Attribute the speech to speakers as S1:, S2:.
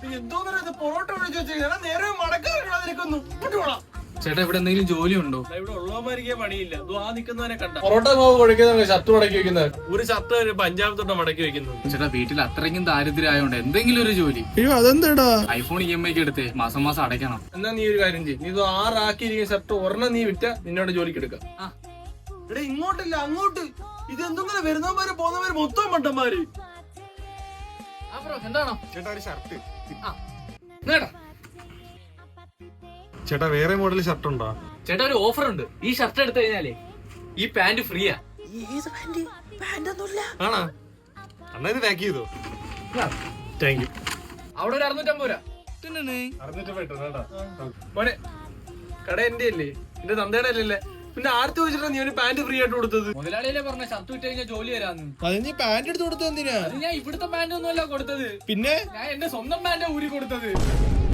S1: എന്തോന്നു പൊറോട്ട വിളിച്ചു വെച്ചാൽ നേരെ മടക്കാതിരിക്കുന്നു.
S2: ചേട്ടാ ഇവിടെ എന്തെങ്കിലും ജോലി ഉണ്ടോ?
S1: ഇവിടെ ഉള്ളവന്മാരിക്കേ പണിയില്ല. ആ നിൽക്കുന്നവനെ കണ്ട പൊറോട്ട മാവ് കുഴക്കുന്ന ഷർട്ട് മടക്കി വെക്കുന്നത്. ഒരു ഷർട്ട് പഞ്ചാബ് തൊട്ട് മടക്കി വെക്കുന്നത്.
S2: ചേട്ടാ വീട്ടിൽ അത്രയ്ക്കും ദാരിദ്ര്യമായോണ്ട് എന്തെങ്കിലും ഒരു ജോലി.
S3: അതെന്താടാ?
S2: ഐഫോൺ EMI എടുത്തേ മാസം മാസം അടയ്ക്കണം.
S1: എന്നാ നീ ഒരു കാര്യം ചെയ്യും, നീ ഇത് 6 ആക്കിയിരിക്കുന്ന ഷർട്ട് ഒരെണ്ണം നീ വിറ്റ നിന്നോട് ജോലിക്ക് എടുക്കാം. ഇവിടെ ഇങ്ങോട്ടില്ല അങ്ങോട്ട്. ഇത് എന്തെങ്കിലും വരുന്നവന്മാര് പോകുന്നവര് മൊത്തം മണ്ടന്മാര്.
S2: എന്താണോ
S3: ചേട്ടാ ഒരു ഷർട്ട്.
S2: നേടാ
S3: ചേട്ടാ വേറെ മോഡൽ ഷർട്ട് ഉണ്ടോ?
S2: ചേട്ടാ ഒരു ഓഫർ ഉണ്ട്. ഈ ഷർട്ട് എടുത്തു കഴിഞ്ഞാലേ ഈ പാന്റ് ഫ്രീയാ.
S3: ആണോ? എന്നാ ഇത് പാക്ക് ചെയ്തോ.
S1: Thank you.
S2: അവിടെ ഒരു 650 രൂപ.
S3: 650
S1: മോനെ കട എന്റെ അല്ലേ, എന്റെ തന്തയുടെ അല്ലല്ലേ, പിന്നെ ആർത്തി വെച്ചിട്ടാ നീ ഒരു പാന്റ് ഫ്രീ ആയിട്ട് കൊടുത്തത്?
S2: മുതലാളിയല്ലേ പറഞ്ഞ ഷർട്ട് വിറ്റ് കഴിഞ്ഞാൽ ജോലി തരാന്ന്.
S3: അത് നീ പാന്റ് എടുത്ത് കൊടുത്തത് എന്തിനാ?
S2: അത് ഞാൻ ഇവിടുത്തെ പാന്റ് ഒന്നും അല്ല കൊടുത്തത്,
S3: പിന്നെ
S2: ഞാൻ എന്റെ സ്വന്തം പാന്റ് ഊരി കൊടുത്തത്.